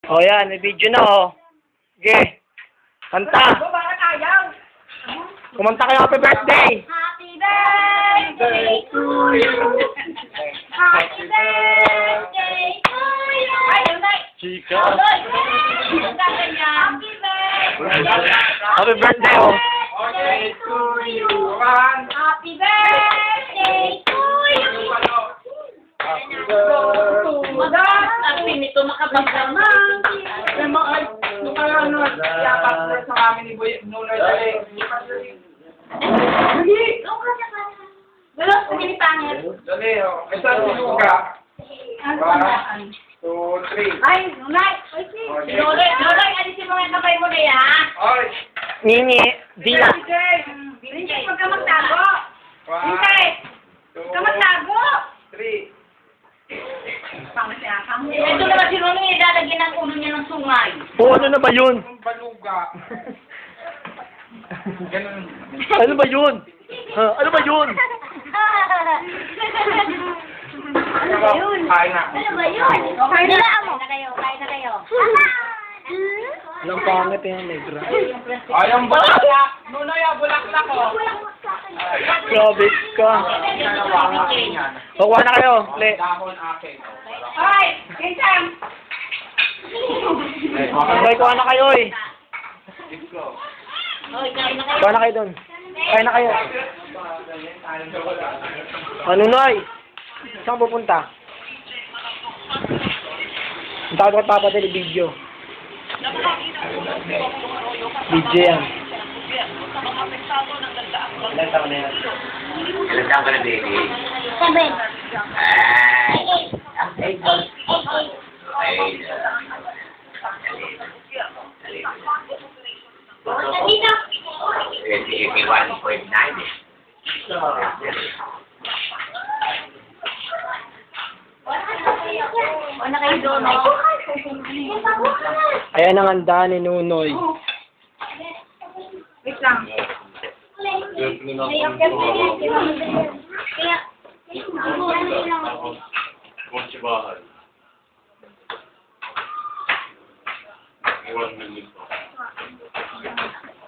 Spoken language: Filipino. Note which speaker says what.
Speaker 1: O yan, may video na o. Sige. Kanta. Kumanta kayo happy birthday.
Speaker 2: Happy birthday to you. Happy birthday to you.
Speaker 1: Chika.
Speaker 2: Happy birthday.
Speaker 1: Happy birthday o.
Speaker 2: Happy birthday to you. Happy birthday to you. Ang pinito makapagdamang.
Speaker 3: Nung ano, yapat sa kami ni Boy Nunoy Dali.
Speaker 2: Dalos ko pangit.
Speaker 3: Dali, o. Isa si Luga. 1, 2, 3.
Speaker 2: Ay, Nunay. Nonoy, alisin mo yung kamay mo na yan.
Speaker 3: Oy.
Speaker 1: Nini. Dila.
Speaker 2: Princess, huwag ka magtago.
Speaker 3: 1,
Speaker 2: Princess,
Speaker 3: 2,
Speaker 2: huwag ka magtago.
Speaker 3: 3.
Speaker 2: Ito naman si Nonoy, ilalagyan ang ulo niya ng sungay.
Speaker 1: O ano na ba yun?
Speaker 3: Ang baluga. Ganun.
Speaker 1: Ano ba yun? Ha? Ano ba yun?
Speaker 2: Ano ba yun?
Speaker 3: Kain na.
Speaker 2: Ano ba yun? Kain na kayo.
Speaker 1: Walang pangit yan, negra.
Speaker 3: Ay, ang bulaklak. Nunoy, ang bulaklak ko.
Speaker 1: Grabe ka. Pakuha na kayo. Le.
Speaker 3: Dahon akin.
Speaker 2: Hoy, Kinsam!
Speaker 1: Sabay, kuha na kayo eh.
Speaker 2: Hoy, kain na kayo.
Speaker 1: Kuha na kayo dun. Kain na kayo. Ano Noy? Saan pupunta? Ang takot ko papadali video. Video yan. Ilan taon na yan?
Speaker 4: Ilan taon ka na, baby?
Speaker 2: 7.
Speaker 4: Ay! Okay.
Speaker 2: Dito.
Speaker 4: 21.9.
Speaker 2: Wala kayo doon, no?
Speaker 1: Ayan ang handa ni Nunoy.
Speaker 2: Wait lang. Kaya,
Speaker 5: Konsebahan. Iwan ng lito.